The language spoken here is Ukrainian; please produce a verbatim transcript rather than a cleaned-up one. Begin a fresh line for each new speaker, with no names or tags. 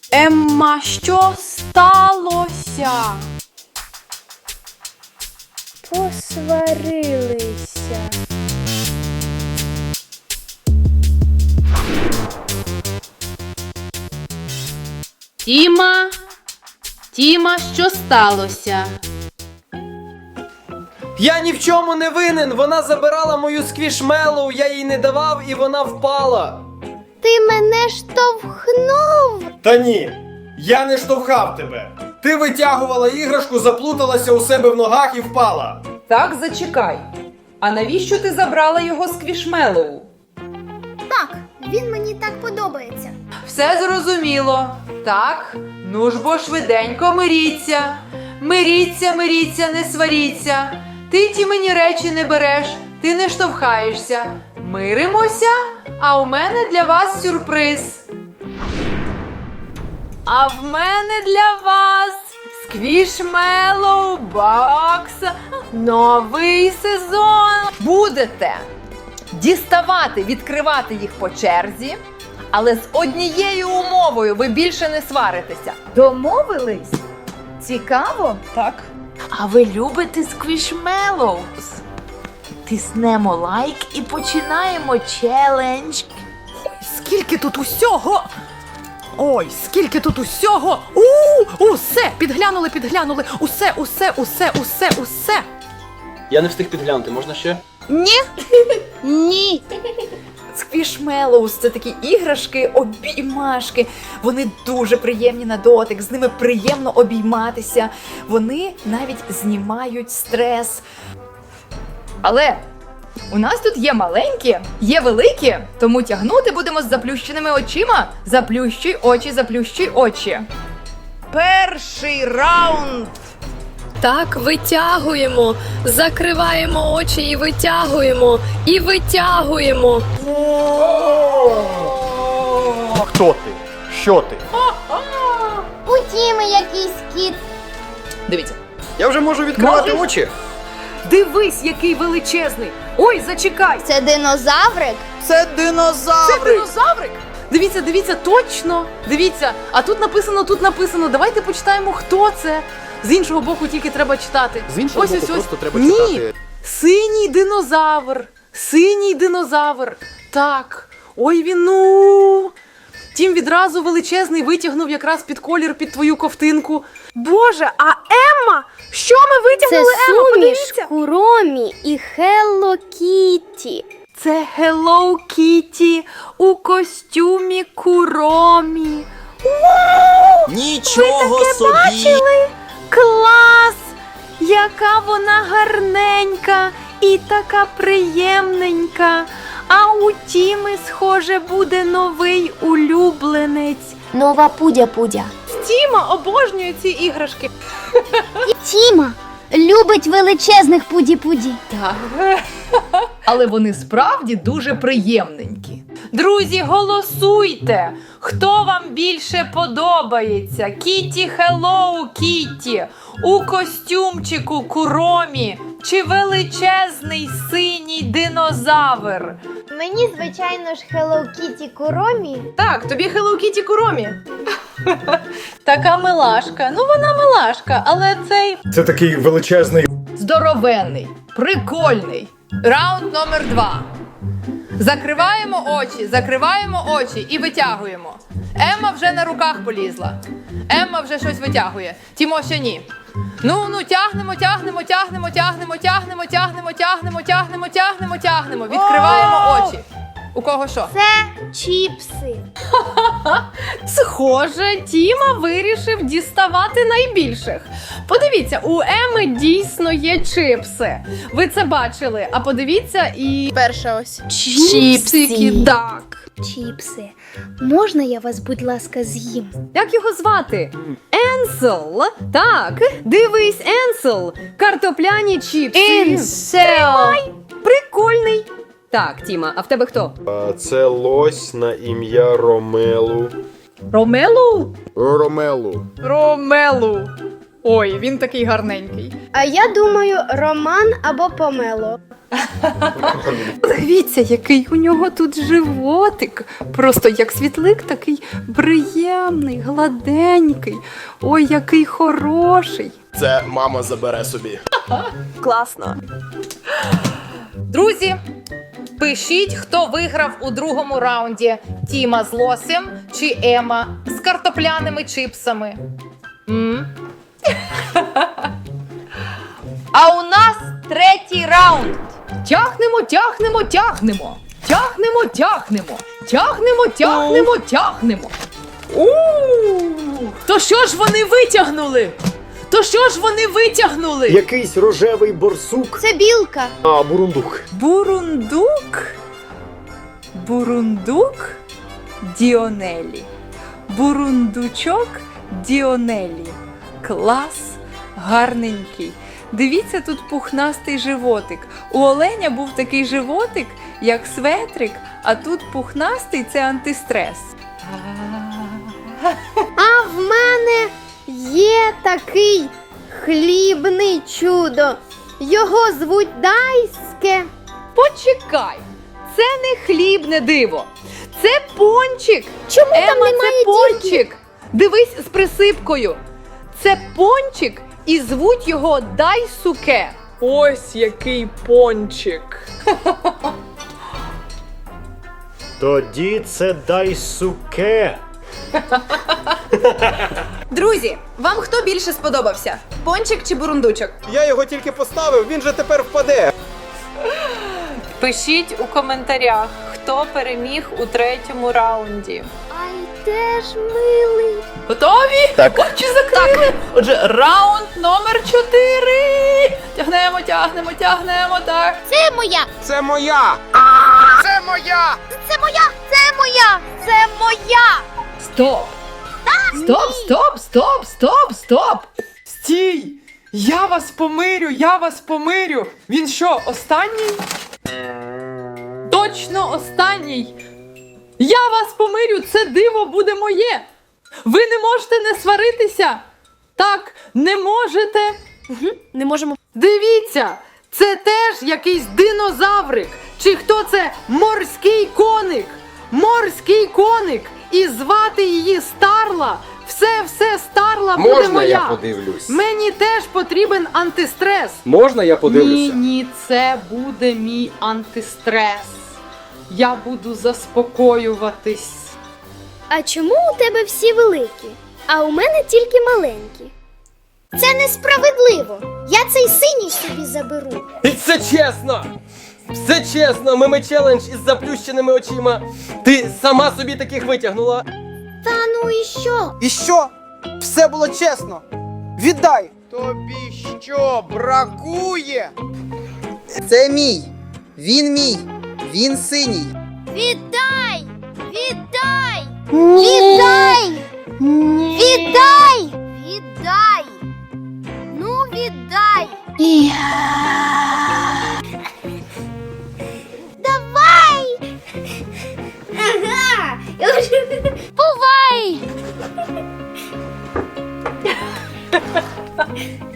Емма, що сталося?
Посварилися.
Тіма? Тіма, що сталося?
Я ні в чому не винен! Вона забирала мою сквішмелоу, я їй не давав і вона впала!
Ти мене штовхнув.
Та ні! Я не штовхав тебе! Ти витягувала іграшку, заплуталася у себе в ногах і впала!
Так, зачекай. А навіщо ти забрала його сквішмелоу?
Так, він мені так подобається.
Все зрозуміло. Так, ну ж бо швиденько миріться. Миріться, миріться, не сваріться. Ти ті мені речі не береш, ти не штовхаєшся. Миримося, а у мене для вас сюрприз. А в мене для вас Сквішмелоу Бокс новий сезон. Будете діставати, відкривати їх по черзі, але з однією умовою ви більше не сваритеся.
Домовились? Цікаво?
Так.
А ви любите сквішмелоус? Тиснемо лайк і починаємо челендж.
Скільки тут усього? Ой, скільки тут усього! У, усе! Підглянули, підглянули! Усе, усе, усе, усе, усе!
Я не встиг підглянути, можна ще?
Ні!
Ні.
Сквішмелоус – це такі іграшки, обіймашки. Вони дуже приємні на дотик, з ними приємно обійматися. Вони навіть знімають стрес. Але у нас тут є маленькі, є великі, тому тягнути будемо з заплющеними очима. Заплющуй очі, заплющуй очі. Перший раунд.
Так, витягуємо, закриваємо очі і витягуємо, і витягуємо.
Хто ти? Що ти?
У Тіми якийсь кіт.
Дивіться.
Я вже можу відкривати
Можеш?
очі.
Дивись, який величезний. Ой, зачекай.
Це динозаврик?
Це динозаврик!
Це динозаврик.
Дивіться, дивіться, точно. Дивіться, а тут написано, тут написано. Давайте почитаємо, хто це. З іншого боку тільки треба читати.
З іншого
ось,
боку
ось, ось.
просто треба
Ні.
читати.
Синій динозавр. Синій динозавр. Так. Ой, він, ну. Тім відразу величезний витягнув якраз під колір, під твою ковтинку. Боже, а Емма? Що ми
Це
витягнули, Емма?
суміш
Подивіться.
Куромі і Хелло Кітті.
Це Hello Kitty у костюмі Куромі.
Нічого
собі! Бачили? Клас! Яка вона гарненька і така приємненька. А у Тіми, схоже, буде новий улюбленець.
Нова Пудя-Пудя.
Тіма обожнює ці іграшки.
Тіма любить величезних Пуді-Пуді.
Але вони справді дуже приємненькі.
Друзі, голосуйте! Хто вам більше подобається? Кіті Хеллоу Кіті у костюмчику Куромі чи величезний синій динозавр?
Мені, звичайно ж, Хелло Кітті Куромі.
Так, тобі Hello Kitty Куромі. Така милашка. Ну вона милашка, але цей...
Це такий величезний.
Здоровенний, прикольний.
Раунд номер два. Закриваємо очі, закриваємо очі і витягуємо. Емма вже на руках полізла. Емма вже щось витягує. Тімо ще ні. Ну, ну, тягнемо, тягнемо, тягнемо, тягнемо, тягнемо, тягнемо, тягнемо, тягнемо, тягнемо, тягнемо. Відкриваємо очі. У кого що?
Це чіпси.
Схоже, Тіма вирішив діставати найбільших. Подивіться, у Еми дійсно є чипси. Ви це бачили, а подивіться і...
Перша ось.
Чіпсики, так.
Чіпси. Можна я вас, будь ласка, з'їм?
Як його звати? Енсел. Так, дивись, Енсел. Картопляні чіпси.
Інсел.
Прикольний. Так, Тіма, а в тебе хто?
Це лось на ім'я Ромелу.
Ромелу?
Ромелу.
Ромелу. Ой, він такий гарненький.
А я думаю, Роман або Помело.
Дивіться, який у нього тут животик. Просто як світлик, такий приємний, гладенький. Ой, який хороший.
Це мама забере собі.
Класно.
Друзі, пишіть, хто виграв у другому раунді: Тіма з лосем чи Ема з картопляними чипсами. М?
А у нас третій раунд.
Тягнемо, тягнемо, тягнемо. Тягнемо, тягнемо. Тягнемо, тягнемо, тягнемо.
То що ж вони витягнули? То що ж вони витягнули?
Якийсь рожевий борсук.
Це білка.
А, бурундук.
Бурундук. Бурундук Діонелі. Бурундучок Діонелі. Клас, гарненький. Дивіться, тут пухнастий животик. У оленя був такий животик, як светрик, а тут пухнастий – це антистрес.
А в мене є такий хлібний чудо. Його звуть Дайське.
Почекай, це не хлібне диво. Це пончик.
Чому там
Ема,
немає
це пончик. Дивись з присипкою. Це пончик і звуть його Дайсуке.
Ось який пончик.
Тоді це дайсуке.
Друзі, вам хто більше сподобався? Пончик чи бурундучок?
Я його тільки поставив, він же тепер впаде.
Пишіть у коментарях, хто переміг у третьому раунді.
Ай, теж милий.
Готові? Так. Очі закрили. Отже, раунд номер чотири. Тягнемо, тягнемо, тягнемо, так.
Це моя.
Це моя! Це моя!
Це моя. Це моя. Це моя.
Стоп. Стоп, стоп, стоп, стоп, стоп.
Стій! Я вас помирю, я вас помирю. Він що, останній?
Точно останній. Я вас помирю, це диво буде моє. Ви не можете не сваритися. Так, не можете.
Не можемо.
Дивіться, це теж якийсь динозаврик. Чи хто це? Морський коник. Морський коник. І звати її Старла. Все, все, Старла буде
Можна
моя.
я подивлюсь?
Мені теж потрібен антистрес.
Можна я
Ні,
подивлюся?
ні, це буде мій антистрес. Я буду заспокоюватись.
А чому у тебе всі великі, а у мене тільки маленькі? Це несправедливо. Я цей синій собі заберу.
І це чесно! Все чесно, мими челендж із заплющеними очима. Ти сама собі таких витягнула.
Та ну і що?
І що? Все було чесно. Віддай.
Тобі що, бракує?
Це мій. Він мій. Він синій.
Віддай! Віддай! Віддай! Віддай! Віддай! Ну, віддай! Давай! Ага! Бувай!